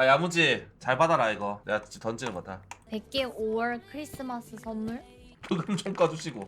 야 야무지 잘 받아라 이거. 내가 진짜 던지는 거다. 100개 5월 크리스마스 선물? 부금 좀 꺼주시고.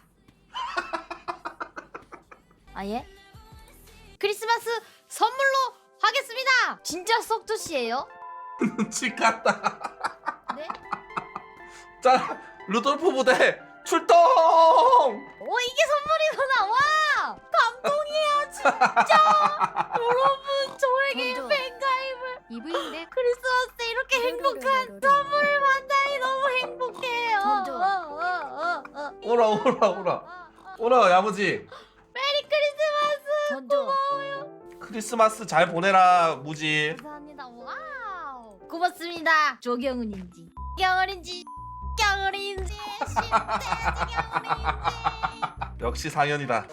아 예? 크리스마스 선물로 하겠습니다. 진짜 썩조씨예요? 눈치 같다. 네? 자 루돌프 부대 출동. 오 이게 선물이구나. 와 감동이에요 진짜. 여러분 저에게 먼저. 팬가입을 이브인데 크리스마스 때 이렇게 행복한 선물을 만나니 너무 행복해요. 먼저. 오라 오라 오라 오라 야무지. 메리 크리스마스. 던져. 크리스마스 잘 보내라 무지. 감사합니다. 와우. 고맙습니다. 조경은인지 경은인지 경은인지 심대지 경은인지. 역시 상현이다.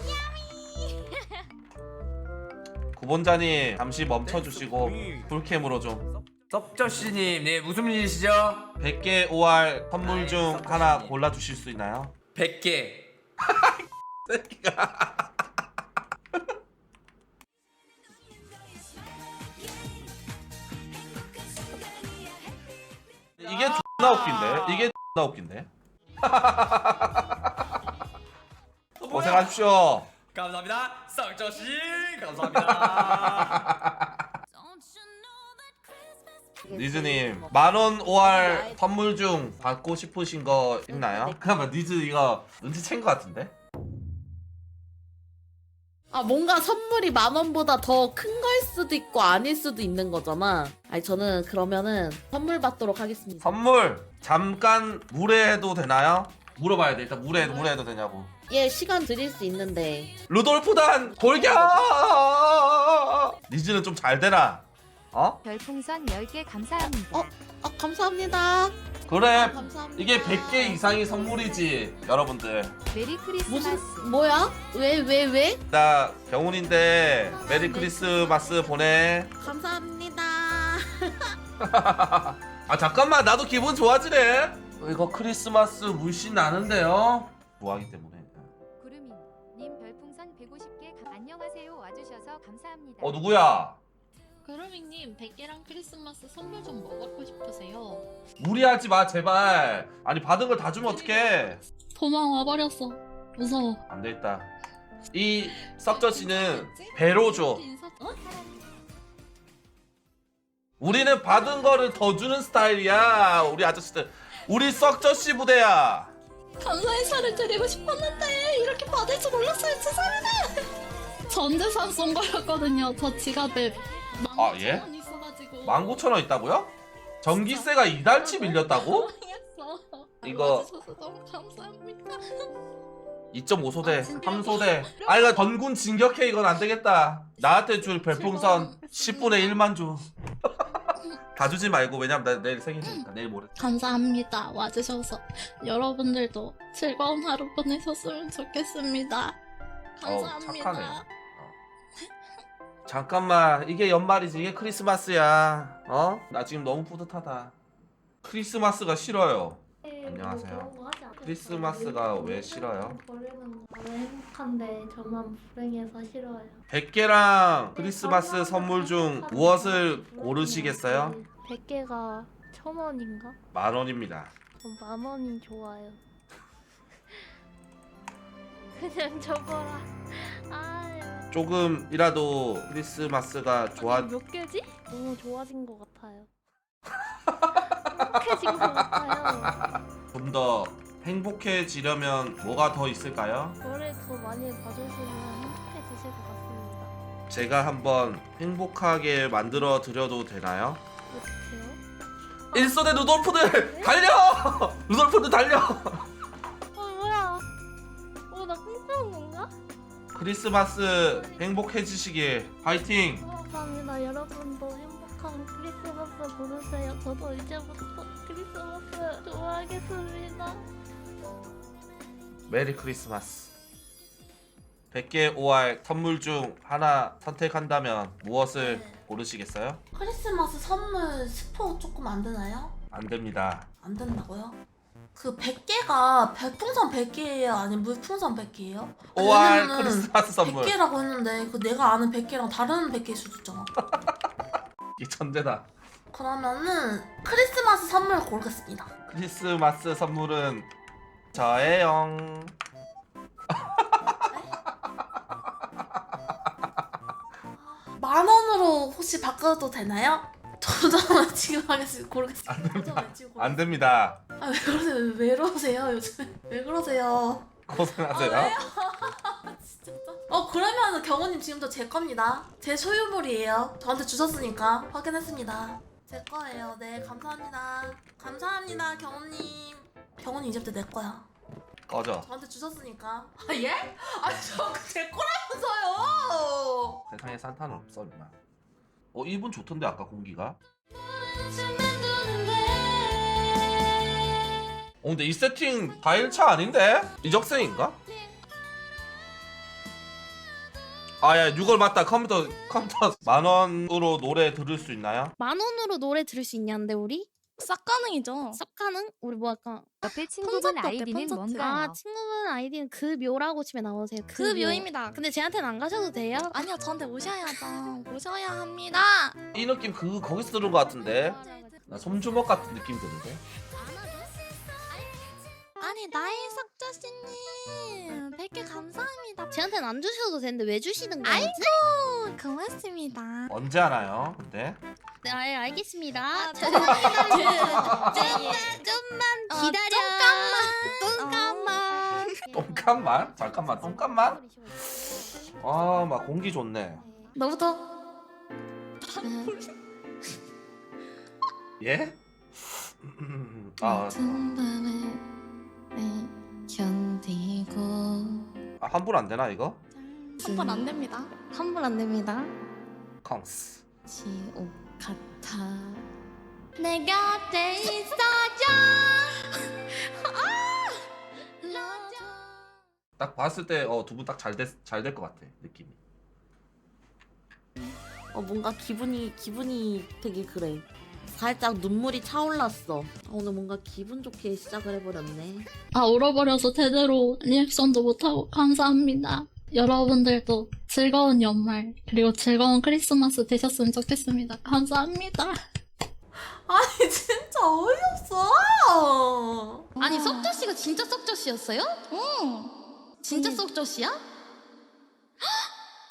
구본자님 잠시 멈춰주시고 풀캠으로 좀 섭저씨님, 네 무슨 일이시죠? 100개 5알 선물 중 하나 골라주실 수 있나요? 100개. 이게 존나 웃긴데? 이게 존나 웃긴데? 고생하십시오. 감사합니다. 섭저씨, 감사합니다. 니즈님 만원 5알 선물 중 받고 싶으신 거 있나요? 잠깐만 니즈 이거 눈치챈 거 같은데? 아 뭔가 선물이 10,000원보다 더 큰 거일 수도 있고 아닐 수도 있는 거잖아. 아니 저는 그러면은 선물 받도록 하겠습니다. 선물 잠깐 무례해도 되나요? 물어봐야 돼. 일단 무례해도 되냐고. 예 시간 드릴 수 있는데 루돌프단 골격! 니즈는 좀 잘 되라. 어? 별풍선 10개 감사합니다. 아 감사합니다. 그래. 감사합니다. 이게 100개 이상이 선물이지 여러분들. 메리 크리스마스. 무슨 뭐야? 왜? 나 병훈인데 메리 크리스마스 보내. 감사합니다. 아 잠깐만 나도 기분 좋아지네. 이거 크리스마스 물씬 나는데요. 좋아하기 때문에. 구름이 님 별풍선 150개 안녕하세요 와주셔서 감사합니다. 누구야? 그루밍님 100개랑 크리스마스 선물 좀 뭐 받고 싶으세요? 무리하지 마 제발. 아니 받은 걸 다 주면 어떡해. 도망 와버렸어. 무서워. 안 되겠다. 이 썩저 씨는 배로 줘. 우리는 받은 거를 더 주는 스타일이야. 우리 아저씨들. 우리 썩저 씨 부대야. 감사 인사를 드리고 싶었는데 이렇게 받을 줄 몰랐어요. 죄송합니다. 전 재산 쏜 거였거든요. 저 지갑에 아, 예? 15,000원 있어가지고 19,000원 있다고요? 전기세가 이달치 밀렸다고? 망했어. 이거- 와주셔서 너무 감사합니다. 2.5소대, 3소대. 아 이거 전군 진격해. 이건 안 되겠다. 나한테 줄 별풍선 10분의 1만 줘. 다 주지 말고. 왜냐면 나 내일 생일이니까. 내일 모레. 감사합니다. 와주셔서 여러분들도 즐거운 하루 보내셨으면 좋겠습니다. 감사합니다. 착하네. 잠깐만 이게 연말이지. 이게 크리스마스야. 어? 나 지금 너무 뿌듯하다. 크리스마스가 싫어요. 안녕하세요. 크리스마스가 왜 싫어요? 버리는 거 행복한데 저만 불행해서 싫어요. 100개랑 크리스마스 선물 중 무엇을 고르시겠어요? 100개가 1,000원인가? 10,000원입니다. 전 10,000원이 좋아요. 그냥 줘봐라. 아, 조금이라도 크리스마스가 좋아. 몇 개지? 너무 좋아진 것 같아요. 행복해진 것 같아요. 좀 더 행복해지려면 뭐가 더 있을까요? 저를 더 많이 봐주시면 행복해지실 것 같습니다. 제가 한번 행복하게 만들어 드려도 되나요? 어떡해요? 1소대 루돌프들 달려! 루돌프들 달려! 뭐야? 나 꿈꾸는 건가? 크리스마스 행복해지시길 화이팅! 감사합니다. 여러분도 행복한 크리스마스 보내세요. 저도 이제부터 크리스마스 좋아하겠습니다. 메리 크리스마스. 100개 5알 선물 중 하나 선택한다면 무엇을 고르시겠어요? 크리스마스 선물 스포 조금 안 되나요? 안 됩니다. 안 된다고요? 그 100개가 별풍선 100개예요? 아니면 물풍선 100개예요? 5알 크리스마스 선물. 100개라고 했는데 그 내가 아는 100개랑 다른 100개일 수도 있잖아. 이 천재다. 그러면은 크리스마스 선물 고르겠습니다. 크리스마스 선물은 저예요. 만 원으로 혹시 바꿔도 되나요? 저는 지금 하겠습니다. 고르겠습니다. 저는 지금 안 됩니다. 아, 왜 그러세요? 왜 그러세요? 요즘 왜 그러세요? 고생하세요. 진짜. 그러면 경호님 지금도 제 겁니다. 제 소유물이에요. 저한테 주셨으니까 확인했습니다. 제 거예요. 네, 감사합니다. 감사합니다, 경호님. 경호님 이제부터 내 거야. 꺼져. 저한테 주셨으니까. 아 예? 아니 저 제 거라면서요. 세상에 산타는 없어 임마. 이분 좋던데 아까 공기가. 근데 이 세팅 다 1차 아닌데? 이적생인가? 아야 6월 맞다. 컴퓨터 만 원으로 노래 들을 수 있나요? 만 원으로 노래 들을 수 있냐는데 우리? 싹 가능이죠. 쌉 가능? 우리 뭐 할까? 옆에 친구분 콘서트 어때, 아이디는 콘서트? 뭔가요? 아 친구분 아이디는 그 묘라고 치면 나오세요. 그 묘입니다. 근데 쟤한테는 안 가셔도 돼요? 아니요, 저한테 오셔야죠. 오셔야 합니다. 이 느낌 거기서 들은 것 같은데. 나 솜주먹 같은 느낌 드는데. 아니 나이 삭자씨님 100개 감사합니다. 쟤한테는 안 주셔도 되는데 왜 주시는 거지? 아이고 고맙습니다. 언제 하나요? 근데 네, 알겠습니다. 아, 좀만 어, 기다려. 잠깐만. 똥값만? 잠깐만 똥값만? 막 공기 좋네. 너부터. 예? 환불 안 되나 이거? 선발 안 됩니다. 환불 안 됩니다. 컹스. 지옥 같아. 내 곁에 있어줘. 딱 봤을 때 두 분 딱 잘 될 것 같아 느낌이. 뭔가 기분이 되게 그래. 살짝 눈물이 차올랐어. 오늘 뭔가 기분 좋게 시작을 해버렸네. 울어버려서 제대로 리액션도 못하고 감사합니다. 여러분들도 즐거운 연말 그리고 즐거운 크리스마스 되셨으면 좋겠습니다. 감사합니다. 아니 진짜 어이없어. 아니 썩저씨가 진짜 썩저씨였어요? 응. 진짜 썩저씨야?